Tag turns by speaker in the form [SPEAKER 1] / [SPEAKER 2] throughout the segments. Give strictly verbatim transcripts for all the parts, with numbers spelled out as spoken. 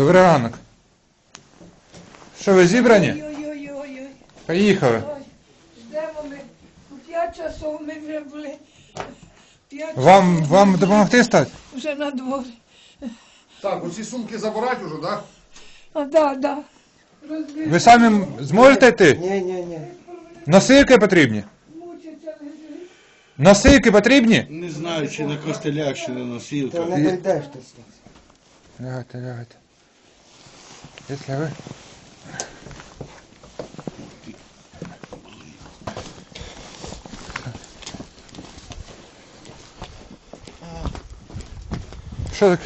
[SPEAKER 1] Добрий ранок. Що, ви зібрані?
[SPEAKER 2] Ой-ой-ой.
[SPEAKER 1] Поїхали.
[SPEAKER 2] Ждемо ми. У п'ять часов ми вже були. П'ять
[SPEAKER 1] Вам,
[SPEAKER 2] часов
[SPEAKER 1] вам
[SPEAKER 2] ми
[SPEAKER 1] допомогти стати?
[SPEAKER 2] вже на дворі.
[SPEAKER 3] Так, оці сумки забирати вже, так?
[SPEAKER 2] А, да, да. Розбив.
[SPEAKER 1] Ви самі зможете йти?
[SPEAKER 4] Ні, ні, ні.
[SPEAKER 1] Носилки потрібні?
[SPEAKER 2] Мучиться лежить.
[SPEAKER 1] Носилки потрібні?
[SPEAKER 5] Не знаю, чи на костелях, чи на
[SPEAKER 4] Ти
[SPEAKER 5] носілках.
[SPEAKER 4] не дійдеш ти стас.
[SPEAKER 1] Лягайте, лягайте. Якщо ви... Що так?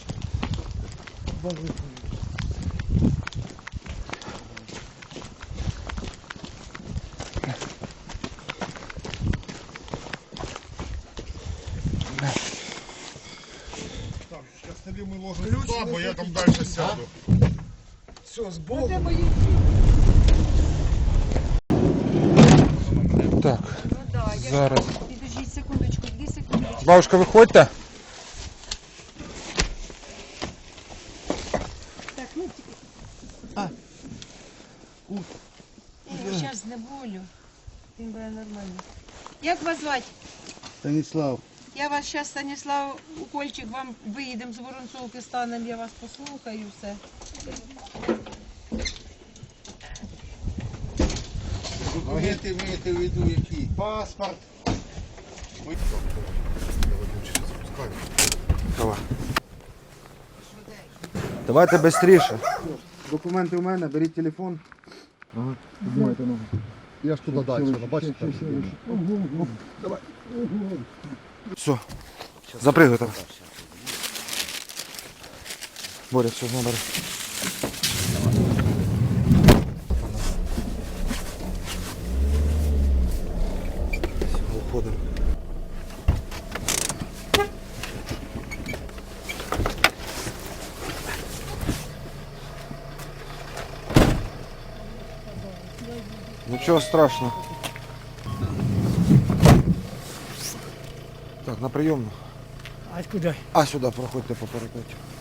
[SPEAKER 3] Так, костелі ми ложимо сюди, бо я там далі сяду. Все, з Богом.
[SPEAKER 2] Де мої?
[SPEAKER 1] Так,
[SPEAKER 6] Ну да, я
[SPEAKER 1] зараз.
[SPEAKER 6] Підождіть секундочку, дві секундочки.
[SPEAKER 1] Бабушка, виходьте.
[SPEAKER 6] Так, ну тільки.
[SPEAKER 5] А.
[SPEAKER 6] Я зараз знеболю. Він буде нормально. Як вас звати?
[SPEAKER 5] Станіслав,
[SPEAKER 6] Я вас зараз, Станіслав, укольчик, вам виїдемо з Воронцовки, станемо, я вас послухаю, все.
[SPEAKER 5] документи маєте в виду які?
[SPEAKER 4] Паспорт.
[SPEAKER 7] Давайте швидше.
[SPEAKER 4] Документи у мене, беріть телефон.
[SPEAKER 3] Я ж туди далі, бачите?
[SPEAKER 7] Все. Запригуй там. Боря, все, набери. Все, уходимо. Нічого страшного. Так, на прийомну.
[SPEAKER 8] А куди?
[SPEAKER 7] А сюди проходьте по парапеті.